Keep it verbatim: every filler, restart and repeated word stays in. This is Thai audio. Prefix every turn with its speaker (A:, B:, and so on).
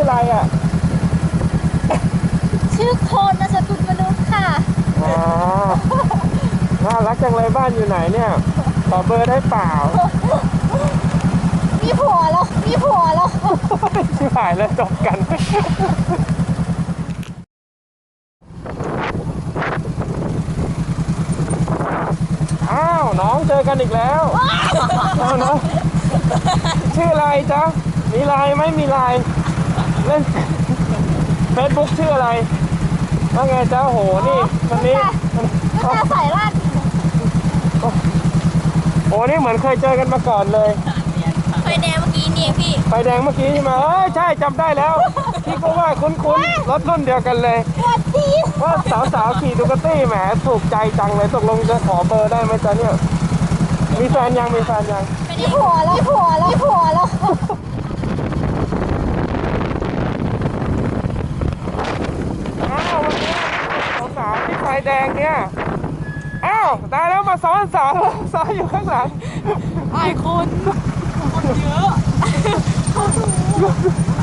A: อะไรอ่ะ
B: ชื่อโคนนามสกุลมนุษย์ค่ะ
A: อ๋อน่ารักจังเลยบ้านอยู่ไหนเนี่ยขอเบอร์ได้เปล่า
B: มีผัวแล้วมีผัวแล้ว
A: ชิบหายแล้วจบกันอ้าวน้องเจอกันอีกแล้วเอาน้องชื่ออะไรจ๊ะมีไลน์ไหมมีไลน์เล่นเฟซบุ๊กชื่ออะไรว่าไงจ๊ะโหนี่คนนี้
B: ก็ตาสายลาด
A: โอ้นี่เหมือนเคยเจอกันมาก่อนเลย
B: ไฟแดงเมื่อกี้นี่พี่
A: ไฟแดงเมื่อกี้ใช่ไหมเออใช่จำได้แล้วพี่ก็ว่าคุ้นๆรถรุ่นเดียวกันเลยว่าสาวๆขี่ดูกาตี้แหมถูกใจจังเลยตกลงจะขอเบอร์ได้ไหมจ๊ะเนี่ยมีแฟนยังมีแฟนยัง
B: มีผัวแล้วมีผัวแล้วมีผัวแล้ว
A: อ้าววันนี้สาวๆที่ไฟแดงเนี่ยอ้าวตายแล้วมาซ้อนสาวสาวอยู่ข้างหลัง
B: ไอ้คนคนเยอะ